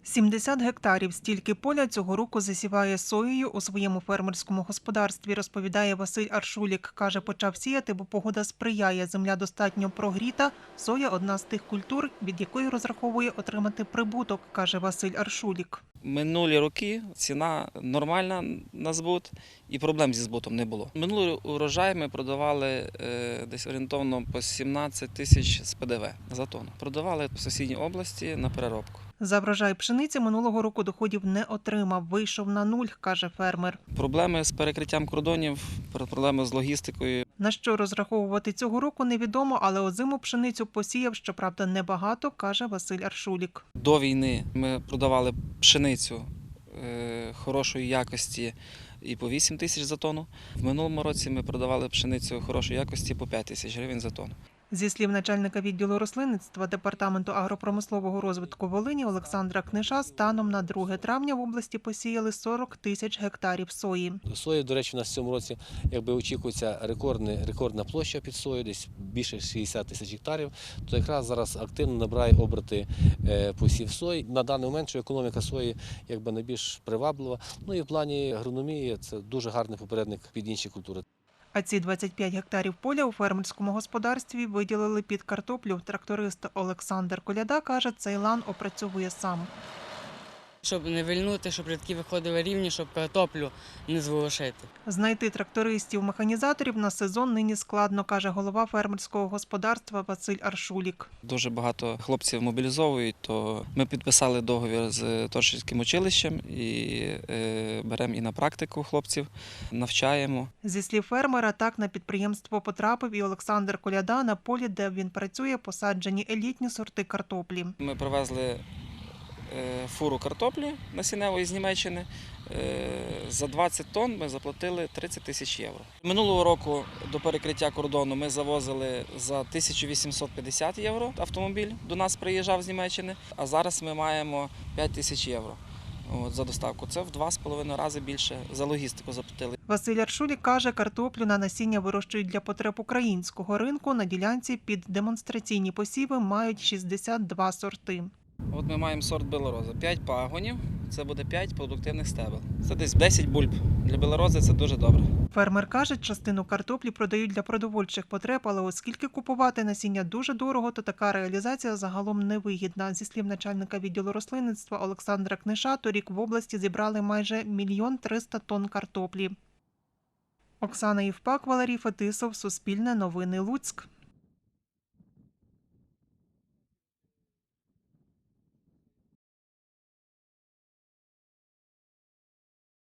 70 гектарів стільки поля цього року засіває соєю у своєму фермерському господарстві, розповідає Василь Аршулік. Каже, почав сіяти, бо погода сприяє, земля достатньо прогріта. Соя – одна з тих культур, від якої розраховує отримати прибуток, каже Василь Аршулік. Минулі роки ціна нормальна на збут і проблем зі збутом не було. Минулий урожай ми продавали десь орієнтовно по 17 тисяч з ПДВ за тонну. Продавали в сусідній області на переробку. За врожай пшениці минулого року доходів не отримав, вийшов на нуль, каже фермер. Проблеми з перекриттям кордонів, проблеми з логістикою. На що розраховувати цього року невідомо, але озиму пшеницю посіяв, щоправда, небагато, каже Василь Аршулік. До війни ми продавали пшеницю хорошої якості і по 8 тисяч за тонну. В минулому році ми продавали пшеницю хорошої якості по 5 тисяч гривень за тонну. Зі слів начальника відділу рослинництва Департаменту агропромислового розвитку Волині Олександра Книша, станом на 2 травня в області посіяли 40 тисяч гектарів сої. Сої, до речі, у нас в цьому році очікується рекордна площа під сою, десь більше 60 тисяч гектарів. То якраз зараз активно набирає оберти посів сої. На даний момент, що економіка сої найбільш приваблива. Ну і в плані агрономії це дуже гарний попередник під інші культури. А ці 25 гектарів поля у фермерському господарстві виділили під картоплю. Тракторист Олександр Коляда каже, цей лан опрацьовує сам. Щоб не вильнути, щоб рядки виходили рівні, щоб картоплю не зворушити. Знайти трактористів-механізаторів на сезон нині складно, каже голова фермерського господарства Василь Аршулік. Дуже багато хлопців мобілізовують, то ми підписали договір з Торшівським училищем і беремо і на практику хлопців, навчаємо. Зі слів фермера, так на підприємство потрапив і Олександр Коляда. На полі, де він працює, посаджені елітні сорти картоплі. Ми привезли фуру картоплі насінневої з Німеччини. За 20 тонн ми заплатили 30 тисяч євро. Минулого року до перекриття кордону ми завозили за 1850 євро автомобіль, до нас приїжджав з Німеччини, а зараз ми маємо 5 тисяч євро за доставку. Це в 2,5 рази більше за логістику заплатили. Василь Аршулік каже, картоплю на насіння вирощують для потреб українського ринку. На ділянці під демонстраційні посіви мають 62 сорти. От ми маємо сорт белороза. 5 пагонів, це буде 5 продуктивних стебел. Це десь 10 бульб. Для белорози це дуже добре. Фермер каже, частину картоплі продають для продовольчих потреб, але оскільки купувати насіння дуже дорого, то така реалізація загалом невигідна. Зі слів начальника відділу рослинництва Олександра Книша, торік в області зібрали майже 1 300 000 тонн картоплі. Оксана Євпак, Валерій Фетисов, Суспільне новини, Луцьк.